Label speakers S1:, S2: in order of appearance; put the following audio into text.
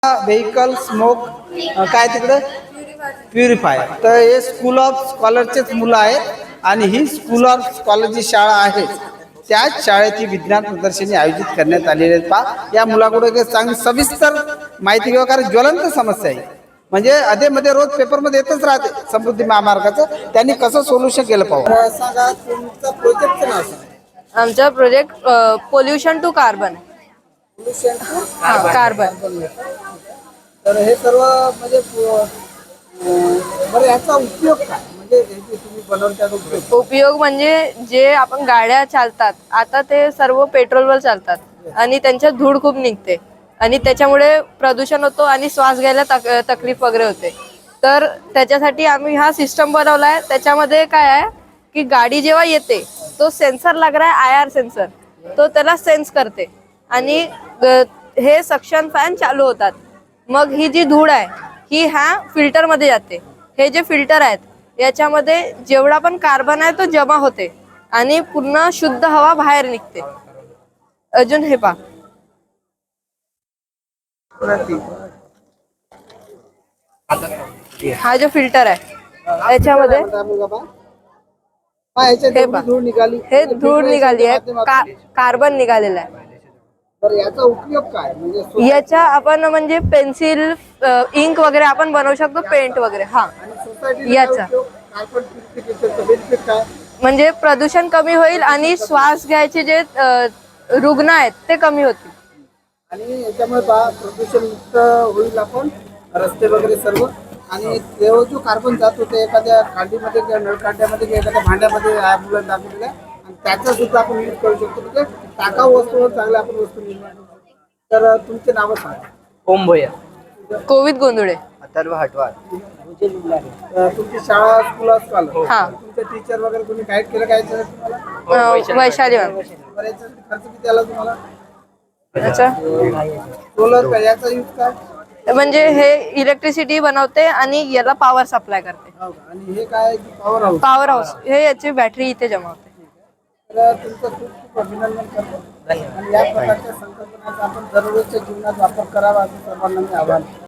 S1: Vehicle smoke काय तिकडे purify. तर हे स्कूल ऑफ स्कॉलरचेच मुलं आहेत आणि ही स्कूल ऑफ स्कॉलरची शाळा आहे. त्याच शाळेची विज्ञान प्रदर्शनी आयोजित करण्यात आलेली आहे. पहा या मुलाकडे चांगली सविस्तर माहिती घेऊ, कारण ज्वलंत समस्या आहे. म्हणजे अधेमध्ये रोज पेपरमध्ये येतच राहते समृद्धी महामार्गाचं. त्यांनी कसं सोल्युशन केलं पाहू. सांगा तुमचा प्रोजेक्टचं नाव सांगा.
S2: आमचा project pollution to carbon. Carbon.
S1: तर हे सर्व म्हणजे बरं याचा उपयोग काय, म्हणजे तुम्ही बनवता
S2: उपयोग म्हणजे जे आपण गाड्या चालतात आता ते सर्व पेट्रोलवर चालतात आणि त्यांच्यात धूळ खूप निघते आणि त्याच्यामुळे प्रदूषण होतो आणि श्वास घ्यायला तकलीफ वगैरे होते. तर त्याच्यासाठी आम्ही हा सिस्टम बनवलाय. त्याच्यामध्ये काय आहे की गाडी जेव्हा येते तो सेन्सर लागला आहे, IR सेन्सर, तो त्याला सेन्स करते आणि हे सक्शन फॅन चालू होतात. मग ही जी धूळ आहे ही ह्या फिल्टर मध्ये जाते. हे जे फिल्टर आहेत याच्यामध्ये जेवढा पण कार्बन आहे तो जमा होते आणि पूर्ण शुद्ध हवा बाहेर निघते. अजून हे पहा, हा जो फिल्टर आहे याच्यामध्ये हे धूळ निघाली आहे, कार्बन निघालेला आहे.
S1: याचा उपयोग काय, म्हणजे
S2: याच्या आपण म्हणजे पेन्सिल, इंक वगैरे आपण बनवू शकतो, पेंट वगैरे. हा याचा म्हणजे प्रदूषण कमी होईल आणि श्वास घ्यायचे जे रुग्ण आहेत ते कमी होतील
S1: आणि याच्यामुळे प्रदूषण मुक्त होईल. आपण रस्ते वगैरे सर्व, आणि तेव्हा जो कार्बन जात होते एखाद्या खांडीमध्ये किंवा नळकांड्यामध्ये किंवा एखाद्या भांड्यामध्ये मुलांना दाखवलेला आहे, आणि त्याचा सुद्धा आपण यूज करू शकतो. म्हणजे टाकाऊ वस्तूवर चांगल्या आपण वस्तू निर्माण करू शकतो. तर तुमचे नावं सांगा.
S3: ओम भोया,
S2: कोविद गोंधळे,
S3: अथर्व हटवार.
S1: तुमची शाळा स्कूल असताल, तुमचे टीचर वगैरे कोणी गाईड केलं काय तुम्हाला?
S2: वैशाली मॅम.
S1: खर्च किती आला तुम्हाला?
S2: अच्छा,
S1: सोलर याचा यूज काय,
S2: म्हणजे हे इलेक्ट्रिसिटी बनवते आणि याला पॉवर सप्लाय करते.
S1: आणि हे काय पॉवर हाऊस?
S2: पॉवर हाऊस हे याची बॅटरी इथे जमा होते.
S1: तर तुमचं खूप खूप अभिनंदन करतो. आणि या प्रकारच्या संकल्पनाचा आपण दररोजच्या जीवनात वापर करावा असं सर्वांना मी आवाहन